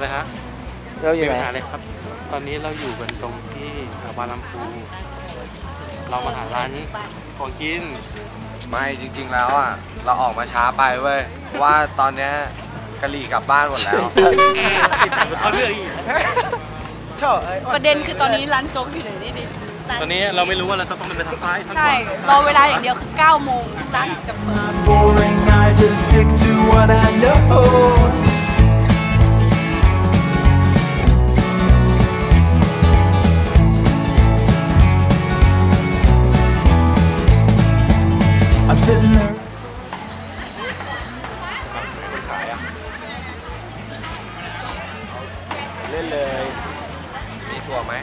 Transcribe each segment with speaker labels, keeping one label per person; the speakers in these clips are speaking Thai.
Speaker 1: อะไรฮะ
Speaker 2: เราอยู่ไหน
Speaker 1: เลยครับตอนนี้เราอยู่กันตรงที่บางลำพูเรามาหาร้านของกิน
Speaker 3: ไม่จริงๆแล้วอ่ะเราออกมาช้าไปเว้ยเพราะว่าตอนเนี้ยกะหรี่กลับบ้านหมดแล้ว
Speaker 1: เขาเลือกอีก
Speaker 4: ประเด็นคือตอนนี้ร้านโจ๊กอยู่ไหนนี่ดิ
Speaker 1: ตอนนี้เราไม่รู้ว่าเราต้องไปทางซ้าย
Speaker 4: ใช่รอเวลาอย่างเดียวคือ9 โมงร้านจะเปิด
Speaker 3: I'm sitting there
Speaker 1: คนขายอ่ะเล่นเลย
Speaker 3: มีถั่วไหม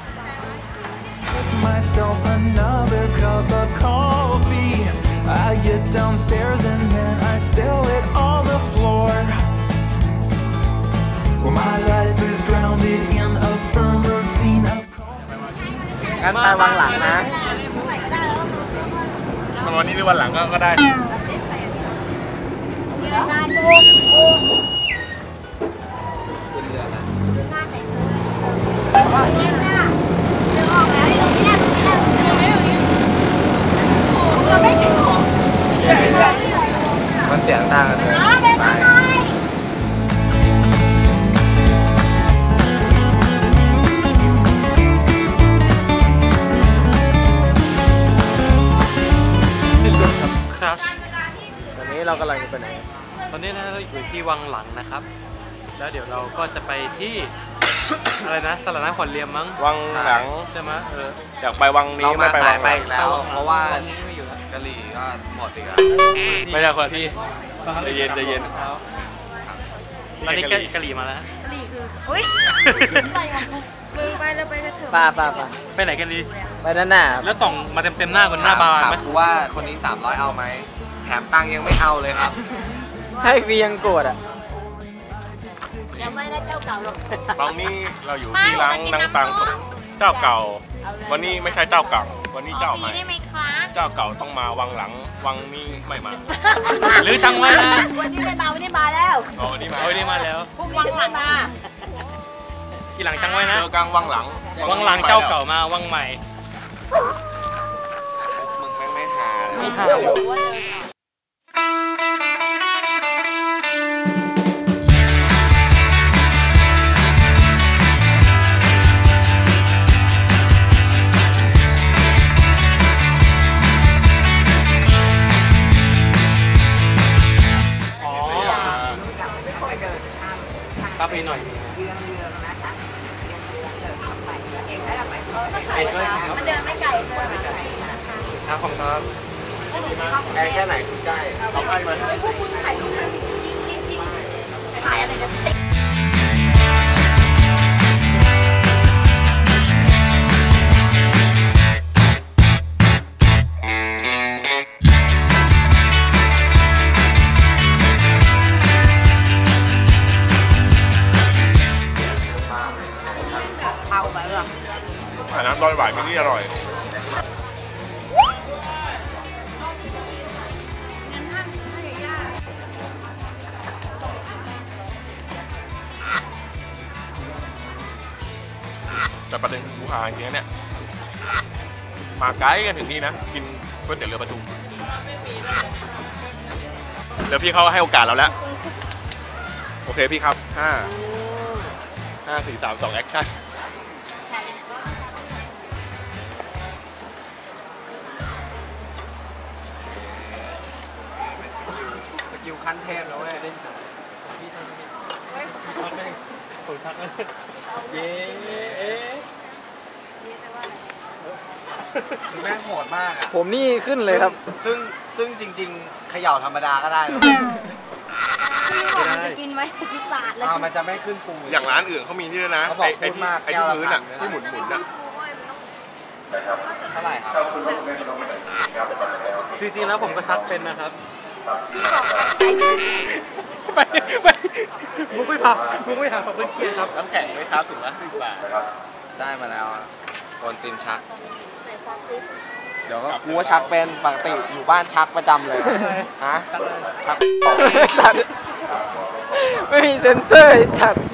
Speaker 5: myself another cup of coffee I get downstairs and then I spill it on the floor well my life is grounded in a firm routine of
Speaker 3: งั้นไปวางหลังนะ
Speaker 1: วันนี้หรือวันหลังก็ได้
Speaker 3: มันเสียงดังกันเลย
Speaker 2: ตอนนี้เรากำลังจะไปไหน
Speaker 1: ตอนนี้นะเราอยู่ที่วังหลังนะครับแล้วเดี๋ยวเราก็จะไปที่ อะไรนะตลาดน้ำขวัญเรียมมั้ง
Speaker 2: วังหลัง
Speaker 1: ใช่ไหม
Speaker 2: อยากไปวังนี้
Speaker 3: ไม่ไปวังไปอีกแล้วเพราะว่ากะหรี่ก็หมดอีกแล้ว
Speaker 2: ไม่ใช่คนที่ใจเย็น
Speaker 1: ตอนนี้กะหรี่มาแล้ว
Speaker 4: กะหรี่คืออุ้ยอะไรวะมึงไปแล้วไปกระเถิบ
Speaker 2: ป้า
Speaker 1: ไปไหนกันดี
Speaker 2: ไปด้านหน้า
Speaker 1: แล้วส่องมาเต็มหน้าคนหน้าบานไหม
Speaker 3: ว่าคนนี้300เอาไหมแถมตังยังไม่เอาเลยครับ
Speaker 2: ให้วียังโกรธอ่ะ
Speaker 4: ยังไม่ได้เจ้าเก่าหรอก
Speaker 6: ตอนนี้เราอยู่ที่ร้านนางตังเจ้าเก่าวันนี้ไม่ใช่เจ้าเก่าวันนี้เจ้าใหม่เจ้าเก่าต้องมาวังหลังวังนี้ไม่มา
Speaker 1: หรือจังไว้นะ
Speaker 4: วันนี้ไม่มาวันนี้มาแล้ว
Speaker 6: วันนี้
Speaker 1: มาแล้ว
Speaker 4: พรุ่งนี้ไม่มา
Speaker 1: ทีหลังจังไว้นะ
Speaker 6: เจอกลางวังหลัง
Speaker 1: เจ้าเก่ามาวังใหม่
Speaker 3: มึงไม่หา
Speaker 1: ครับพี่หน่อย
Speaker 4: มันเดินไม่ไกลเลย
Speaker 1: ครับผมครับ
Speaker 3: ไกลแค่ไหนคือใกล้
Speaker 1: เราไปมา
Speaker 4: ถ่ายอะไรกันติด
Speaker 6: น้ำร้อนหวานมินี่อร่อยแต่ประเด็นคือกูหาอย่างเงี้ยเนี่ยมาไกลกันถึงนี่นะกินก๋วยเตี๋ยวเรือประทุมแล้วพี่เขาให้โอกาสเราแล้วโอเคพี่ครับ5 4 3 2แอคชั่น
Speaker 3: ขั้นเทพแล้วเว้ย
Speaker 1: ผมชักเย้
Speaker 3: แม่งโหดมากอ่ะ
Speaker 2: ผมนี่ขึ้นเลยครับ
Speaker 3: ซึ่งจริงๆเขย่าธรรมดาก็ได้
Speaker 4: จะกินไหมพิซซ่าเลย
Speaker 3: มันจะไม่ขึ้นฟู
Speaker 6: อย่างร้านอื่นเขามีนี่ด้วยนะ
Speaker 3: เขาบอกพูดมาก
Speaker 6: ไอ้ที่พื้นอ่ะที่หมุนอ่ะ
Speaker 3: เท่าไหร่ครับ
Speaker 1: จริงๆแล้วผมก็ชักเป็นนะครับมุกไม่พาเพื่อนเคียนครับ
Speaker 2: น้ำแข็งไหมครับถุงละ10 บาท
Speaker 3: ได้มาแล้วโอนตินชักเดี๋ยวก็กูว่าชักเป็นปกติอยู่บ้านชักประจำเลยฮะชัก
Speaker 2: ไม่มีเซ็นเซอร์ไอ้สัตว์